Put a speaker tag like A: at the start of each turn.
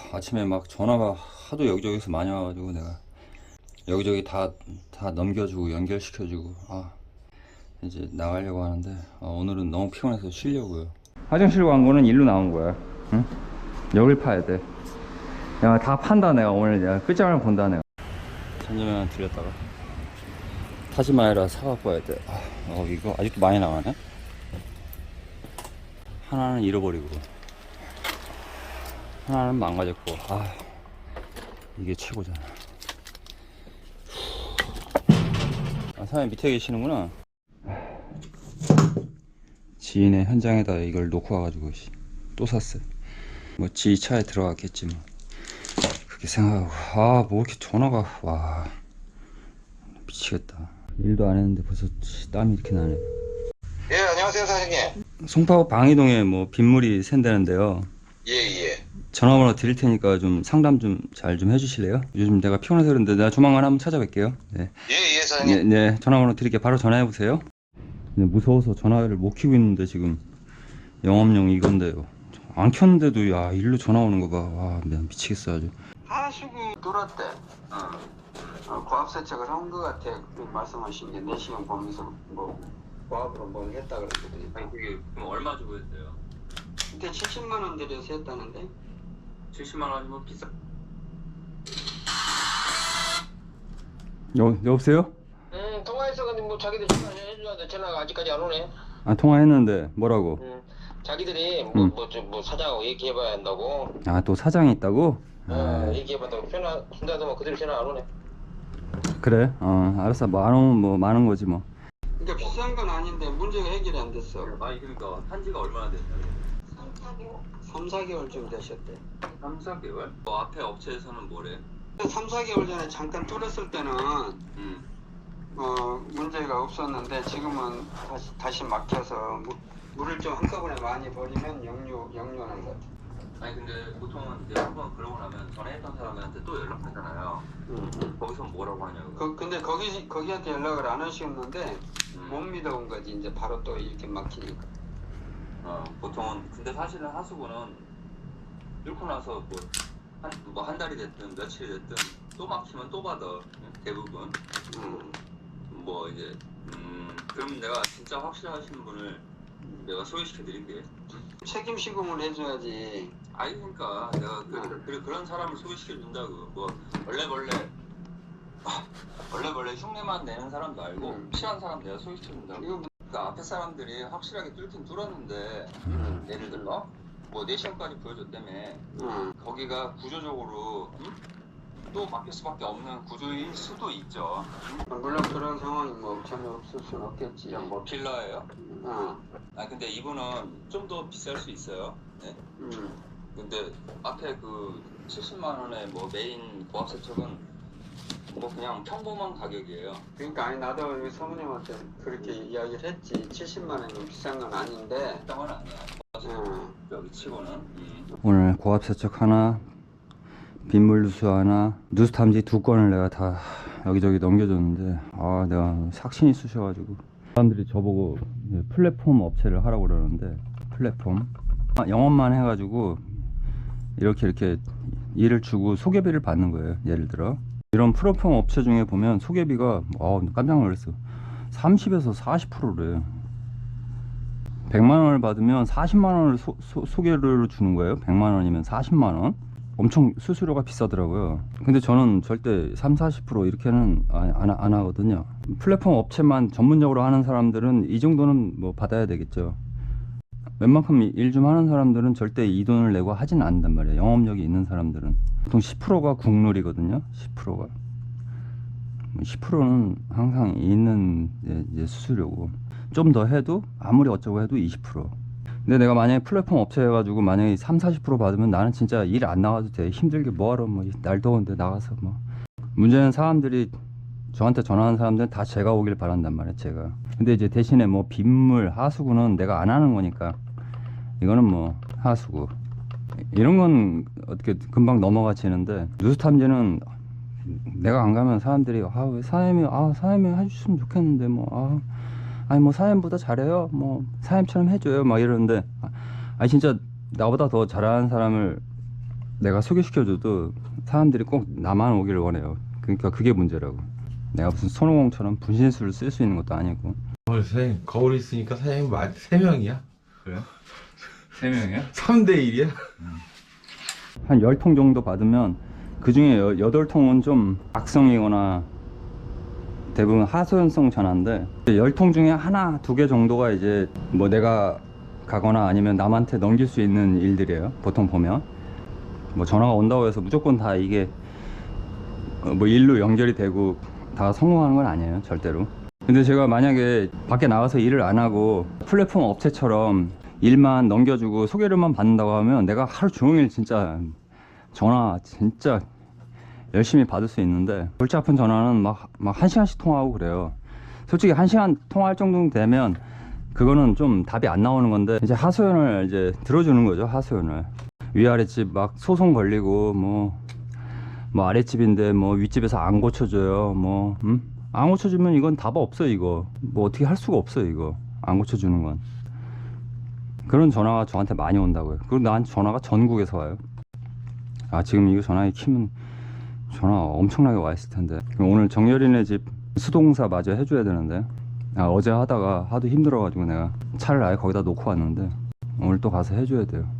A: 아침에 막 전화가 하도 여기저기서 많이 와가지고 내가 여기저기 다 넘겨주고 연결시켜주고 이제 나가려고 하는데 오늘은 너무 피곤해서 쉬려고요. 화장실 광고는 일로 나온 거야. 응? 여길 파야 돼. 야, 다 판다 내가 오늘. 내가 끝장을 본다 내가. 천재면 들렸다가 타지마이라 사갖고 와야 돼. 이거 아직도 많이 나가네. 하나는 잃어버리고 하나는 망가졌고. 이게 최고잖아. 사장님 밑에 계시는구나. 지인의 현장에다 이걸 놓고 와가지고 또 샀어요. 뭐 지 차에 들어갔겠지 뭐. 그렇게 생각하고 뭐 이렇게 전화가 와 미치겠다. 일도 안 했는데 벌써 땀이 이렇게 나네.
B: 예, 안녕하세요, 사장님.
A: 송파구 방이동에 뭐 빗물이 샌다는데요.
B: 예.
A: 전화번호 드릴 테니까 좀 상담 좀 잘 좀 해주실래요? 요즘 내가 피곤해서 그런데 내가 조만간 한번 찾아뵐게요. 네.
B: 예, 사장님.
A: 네, 전화번호 드릴게. 바로 전화해보세요. 무서워서 전화를 못 켜고 있는데 지금 영업용 이건데요. 안 켰는데도 야 일로 전화 오는 거 봐. 와 미치겠어 아주.
C: 하수구 돌았대. 고압 세척을 한 것 같아. 말씀하신 게 4시간 보면서 뭐 고압으로 뭘 했다 그랬거든요.
A: 아니 그게 그럼 얼마 주고 했어요?
C: 그때 70만 원 들여서 했다는데.
A: 70만 원이면 비싸. 여보세요?
D: 통화했어. 근데 뭐 자기들 전화해줘야 전화가 아직까지 안 오네.
A: 통화했는데 뭐라고?
D: 자기들이 뭐 사장하고 얘기해봐야 한다고.
A: 또 사장이 있다고?
D: 얘기해봤다고. 전화 준다도 뭐 그대로 전화 안 오네.
A: 그래? 알았어. 뭐 안 오면 뭐 많은 거지 뭐.
C: 그러니까 비싼 건 아닌데 문제가 해결이 안 됐어.
A: 아니 그러니까 한지가 얼마나 됐냐고.
C: 3, 4개월쯤 되셨대.
A: 3, 4개월? 앞에 업체에서는 뭐래?
C: 3, 4개월 전에 잠깐 뚫었을 때는 문제가 없었는데 지금은 다시 막혀서 물을 좀 한꺼번에 많이 버리면 역류하는 것 같아.
A: 아니 근데 보통은 이제 한번 그러고 나면 전에 했던 사람한테 또 연락하잖아요. 거기서 뭐라고 하냐고.
C: 근데 거기한테 연락을 안 하시겠는데 못 믿어온 거지. 이제 바로 또 이렇게 막히니까.
A: 보통은 근데 사실은 하수구는 뚫고 나서 한 달이 됐든 며칠이 됐든 또 막히면 또 받아. 대부분. 뭐 이제 그럼 내가 진짜 확실하신 분을 내가 소개시켜 드릴게.
C: 책임 시공을 해줘야지.
A: 아니 그러니까 내가 그런 사람을 소개시켜 준다고. 뭐 원래 흉내만 내는 사람도 알고 필요한 사람 내가 소개시켜 준다고. 그러니까 앞에 사람들이 확실하게 뚫긴 뚫었는데 예를 들어 뭐 4시간까지 보여줬다며. 거기가 구조적으로 또 막힐 수밖에 없는 구조일 수도 있죠.
C: 물론 그런 상황이 뭐 전혀 없을 수는 없겠지.
A: 뭐 필러예요? 근데 이분은 좀 더 비쌀 수 있어요. 네. 근데 앞에 그 70만 원의 뭐 메인 고압 세척은 뭐 그냥 평범한 가격이에요.
C: 그러니까 아니 나도 우리 사모님한테 그렇게 이야기를 했지. 70만 원이 비싼 건 아닌데.
A: 비싼 건 아니야. 여기 치고는.
E: 오늘 고압 세척 하나, 빗물 누수 하나, 누수 탐지 2건을 내가 다 여기저기 넘겨줬는데 내가 삭신이 쑤셔가지고 사람들이 저보고 플랫폼 업체를 하라고 그러는데 플랫폼 영업만 해가지고 이렇게 일을 주고 소개비를 받는 거예요. 예를 들어 이런 플랫폼 업체 중에 보면 소개비가 깜짝 놀랐어. 30에서 40%래. 100만 원을 받으면 40만 원을 소개료로 주는 거예요. 100만 원이면 40만 원. 엄청 수수료가 비싸더라고요. 근데 저는 절대 30-40% 이렇게는 안 하거든요. 플랫폼 업체만 전문적으로 하는 사람들은 이 정도는 뭐 받아야 되겠죠. 웬만큼 일 좀 하는 사람들은 절대 이 돈을 내고 하진 않는단 말이에요. 영업력이 있는 사람들은 보통 10%가 국룰이거든요. 10%가 10%는 항상 있는 이제 수수료고, 좀 더 해도 아무리 어쩌고 해도 20%. 근데 내가 만약에 플랫폼 업체 해가지고 만약에 30-40% 받으면 나는 진짜 일 안 나가도 돼. 힘들게 뭐하러 날 더운데 나가서 뭐. 문제는 사람들이 저한테 전화하는 사람들은 다 제가 오길 바란단 말이에요. 제가. 근데 이제 대신에 뭐 빗물 하수구는 내가 안 하는 거니까 이거는 뭐 하수구 이런 건 어떻게 금방 넘어가지는데, 누수 탐지는 내가 안 가면 사람들이 왜 사장님이 해주시면 좋겠는데 아니 뭐 사장님보다 잘해요, 뭐 사장님처럼 해줘요 막 이러는데, 진짜 나보다 더 잘하는 사람을 내가 소개시켜줘도 사람들이 꼭 나만 오기를 원해요. 그러니까 그게 문제라고. 내가 무슨 손오공처럼 분신술을 쓸 수 있는 것도 아니고.
F: 선생님 거울이 있으니까 사장님 3명이야.
A: 그래요? 3명이야?
F: 3대1이야?
E: 한 10통 정도 받으면 그 중에 8통은 좀 악성이거나 대부분 하소연성 전화인데 10통 중에 하나, 2개 정도가 이제 뭐 내가 가거나 아니면 남한테 넘길 수 있는 일들이에요. 보통 보면 뭐 전화가 온다고 해서 무조건 다 이게 뭐 일로 연결이 되고 다 성공하는 건 아니에요, 절대로. 근데 제가 만약에 밖에 나가서 일을 안 하고 플랫폼 업체처럼 일만 넘겨주고 소개료만 받는다고 하면 내가 하루 종일 진짜 전화 진짜 열심히 받을 수 있는데 골치 아픈 전화는 막 1시간씩 통화하고 그래요. 솔직히 1시간 통화할 정도 되면 그거는 좀 답이 안 나오는 건데 이제 하소연을 이제 들어주는 거죠. 하소연을 위아랫집 막 소송 걸리고 뭐 아랫집인데 뭐 윗집에서 안 고쳐줘요 안 고쳐주면 이건 답 없어. 이거 뭐 어떻게 할 수가 없어. 이거 안 고쳐주는 건. 그런 전화가 저한테 많이 온다고요. 그리고 나한테 전화가 전국에서 와요. 아 지금 이거 전화기 키면 전화 엄청나게 와 있을 텐데. 오늘 정열이네 집 수동사 마저 해줘야 되는데 어제 하다가 하도 힘들어 가지고 내가 차를 아예 거기다 놓고 왔는데 오늘 또 가서 해줘야 돼요.